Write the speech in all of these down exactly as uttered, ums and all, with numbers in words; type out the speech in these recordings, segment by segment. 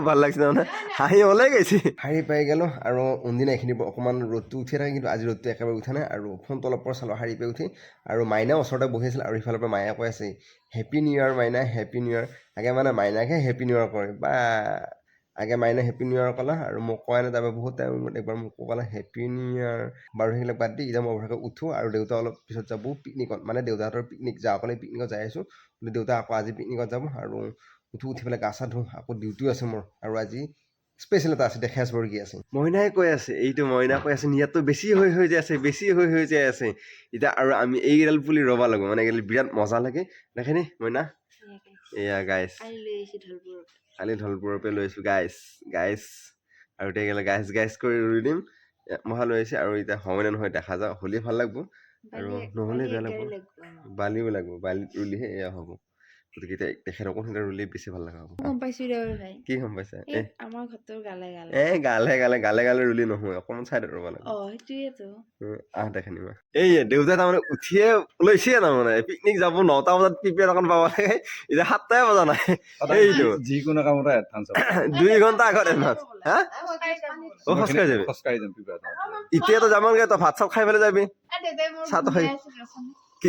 ভাল লাগিছে মানে হাঁহি ওলাই গৈছে শাৰী পাই গ'লোঁ আৰু কোনদিনা এইখিনি অকণমান ৰ'দটো উঠি থাকে কিন্তু আজি ৰ'দটো একেবাৰে উঠা নাই আৰু ফোনটো অলপ পৰা চালোঁ শাৰী পাই উঠি আৰু মাইনা ওচৰতে বহি আছিল আৰু ইফালৰ পৰা মায়ে কৈ আছে happy new year Maina happy new year আগে মানে মাইনাকহে হেপী নিউ ইয়েৰ কৰে বা আগে মাইনা হেপী নিউ ইয়েৰ ক'লা আৰু মোক কোৱা নাই তাৰপৰা বহুত টাইম একবাৰ মোক ক'লা হেপী নিউ ইয়েৰ বাৰু সেইবিলাক বাদ দি এতিয়া মই ভালকৈ উঠোঁ আৰু দেউতা অলপ পিছত যাব পিকনিকত মানে দেউতাহঁতৰ পিকনিক যাওঁ অকলে পিকনিকত যাই আছোঁ দেউতা আকৌ আজি পিকনিকত যাব আৰু উঠো উঠি পেলাই গা চা ধুওঁ আকৌ ডিউটিও আছে মোৰ আৰু আজি স্পেচিয়েল এটা আছে দেখাই আছোঁ কি আছে মইনাই কৈ আছে এইটো মইনা কৈ আছে ইয়াততো বেছি হৈ হৈ যায় আছে বেছি হৈ হৈ যায় আছে এতিয়া আৰু আমি এইকেইডাল পুলি ৰ'ব লাগিব মানে এইকেইডাল বিৰাট মজা লাগে দেখেনি মইনা এয়া গাইছ কালি ঢলপুৰৰ পৰা লৈ আছোঁ গাইছ গাইছ আৰু এতিয়া গ'লে গাইছ গাইছ কৰি ৰুই দিম মহা লৈ আহিছে আৰু এতিয়া হয় নে নহয় দেখা যাওক হ'লেই ভাল লাগিব আৰু নহ'লে বেয়া লাগিব বালিও লাগিব বালিত ৰুলেহে এয়া হ'ব গতিকে এতিয়া তেখেতকো সিহঁতে ৰুলে বেছি ভাল লগা হ'ব গম পাইছোঁ দে ভাই কি গম পাইছা এই আমাৰ ঘৰটোৰ গালে গালে এ গালে গালে গালে গালে ৰুলি নহয় অকণমান চাইডত ৰ'ব লাগিব অ সেইটোৱেতো আহ দেখেনি মই এই দেউতাই তাৰমানে উঠিয়ে ওলাইছে তাৰমানে পিকনিক যাব নটা বজাত প্ৰিপেয়াৰ অকণ পাব লাগে এতিয়া সাতটাই বজা নাই এইটো যিকোনো কামতে এডভান্স দুই ঘণ্টা আগত এডভান্স হা অ খোজকাঢ়ি যাবি খোজকাঢ়ি যাম প্ৰিপেয়াৰ এতিয়াতো যামগে তই ভাত চাত খাই পেলাই যাবি চাহটো খাই কি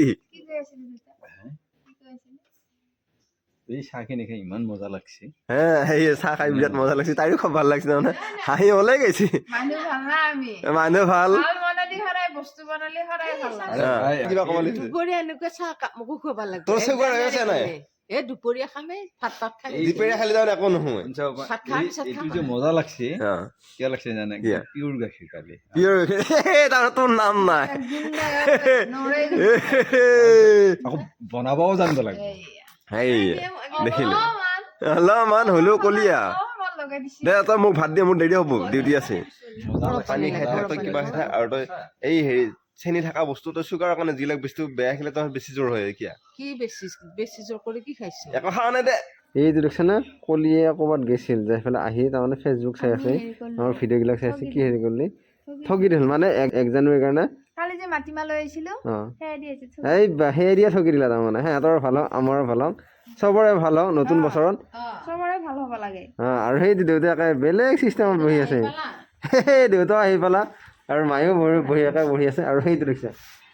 এই চাহখিনি খাই ইমান মজা লাগছে হে সেই চাহ খাই বিৰাট মজা লাগিছে তাইৰো খুব ভাল লাগিছে মানে হাঁহি ওলাই গৈছে মানুহ ভাল না আমি মানুহ ভাল ভাল বনালি সদায় বস্তু বনালি সদায় ভাল লাগে কিবা ক'ব লাগিছে দুপৰীয়া এনেকুৱা চাহ কাপ মোকো খুৱাব লাগিব তোৰ চকুৰ হৈ আছে নাই এই দুপৰীয়া খামে ভাত ভাত খাই দুপৰীয়া খালি তাৰমানে একো নহয় ভাত খাম পিছত এইটো খাম যে মজা লাগছে অ কিয় লাগছে জানে কিয়? পিয়ৰ গাখীৰ কালি পিয়ৰ তাৰমানে তোৰ নাম নাই আকৌ বনাবও জানিব লাগে হেই দেখিলে অলপমান হ'লেও কলিয়া দে তই মোক ভাত দিয়ে মোৰ দেৰি হ'ব ডিউটি আছে পানী খাই থাক তই কিবা খাই থাক আৰু তই এই হেৰি চেনি থকা বস্তু তই চুগাৰৰ কাৰণে যিবিলাক বস্তু বেয়া খেলে তই বেছি জ্বৰ হয় কিয়া কি বেছি বেছি জোৰ কৰি কি খাইছো একো খোৱা নাই দে এইটো দেখিছে না কলিয়ে ক'ৰবাত গৈছিল যাই পেলাই আহি তাৰমানে ফেচবুক চাই আছে আমাৰ ভিডিঅ'বিলাক চাই আছে কি হেৰি কৰিলি ঠগি দিছিল মানে এক জানুৱাৰীৰ কাৰণে কালি যে মাটিমাহ লৈ আহিছিলো অঁ সেয়া দি আছে এই সেই দিয়ে ঠগি দিলা তাৰমানে সিহঁতৰ ভাল হওক আমাৰো ভাল হওক চবৰে ভাল হওক নতুন বছৰত চবৰে ভাল হ'ব লাগে অঁ আৰু সেই দেউতাকে বেলেগ চিষ্টেমত বহি আছে সেই দেউতাও আহি পেলা আৰু মায়েও বহি বহি একে বহি আছে আৰু সেইটো দেখিছে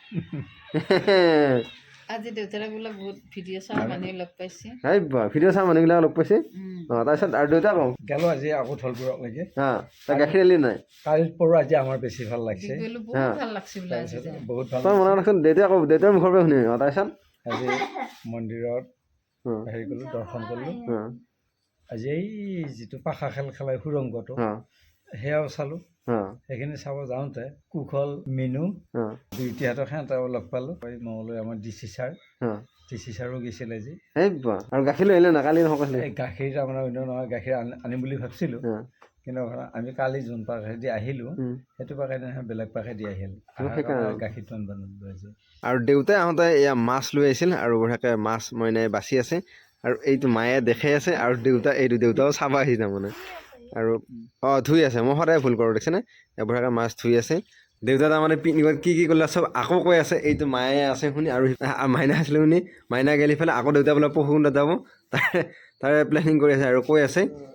আজি দেউতাৰে বোলে বহুত ভিডিঅ' চাই মানুহে লগ পাইছে এই বা ভিডিঅ' চাই মানুহবিলাক লগ পাইছে অঁ তাৰপিছত আৰু দেউতা কওঁ গেলো আজি আকৌ ঢলপুৰলৈকে অঁ তই গাখীৰ আলি নাই কালিৰ পৰা আজি আমাৰ বেছি ভাল লাগছে বোলো বহুত ভাল লাগছে বোলে আজি বহুত ভাল তই মনত ৰাখচোন দেউতাই আকৌ দেউতাৰ মুখৰ পৰা শুনি অঁ তাৰপিছত আজি মন্দিৰত অঁ হেৰি কৰিলোঁ দৰ্শন কৰিলোঁ অঁ আজি এই যিটো পাশা খেল খেলাই সুৰংগটো অঁ সেয়াও চালোঁ অঁ সেইখিনি চাব যাওঁতে কুশল মিনু অঁ দুইটিহঁতক সিহঁতক লগ পালোঁ মঙলৈ আমাৰ ডি চি ছাৰ অঁ ডি চি ছাৰো গৈছিলে আজি এই বা আৰু গাখীৰ লৈ আহিলে না কালি নকৈছিলে এই গাখীৰ তাৰমানে অন্য নহয় গাখীৰ আনি আনিম বুলি ভাবিছিলোঁ অঁ কিন্তু আমি কালি যোন পাকেদি আহিলোঁ সেইটো পাকেদি নহয় বেলেগ পাকেদি আহিল সেইকাৰণে গাখীৰটো আনিব নালাগে আজি আৰু দেউতাই আহোঁতে এয়া মাছ লৈ আহিছিল আৰু বঢ়িয়াকৈ মাছ মইনাই বাচি আছে আৰু এইটো মায়ে দেখাই আছে আৰু দেউতা এইটো দেউতাও চাব আহি তাৰমানে আৰু অঁ ধুই আছে মই সদায় ভুল কৰোঁ দেখিছেনে বঢ়িয়াকৈ মাছ ধুই আছে দেউতা তাৰমানে পিকনিকত কি কি কৰিলে চব আকৌ কৈ আছে এইটো মায়ে আছে শুনি আৰু মাইনা আছিলে শুনি মাইনা গেলি পেলাই আকৌ দেউতা বোলে পৰশুণ্ডত যাব তাৰে তাৰে প্লেনিং কৰি আছে আৰু কৈ আছে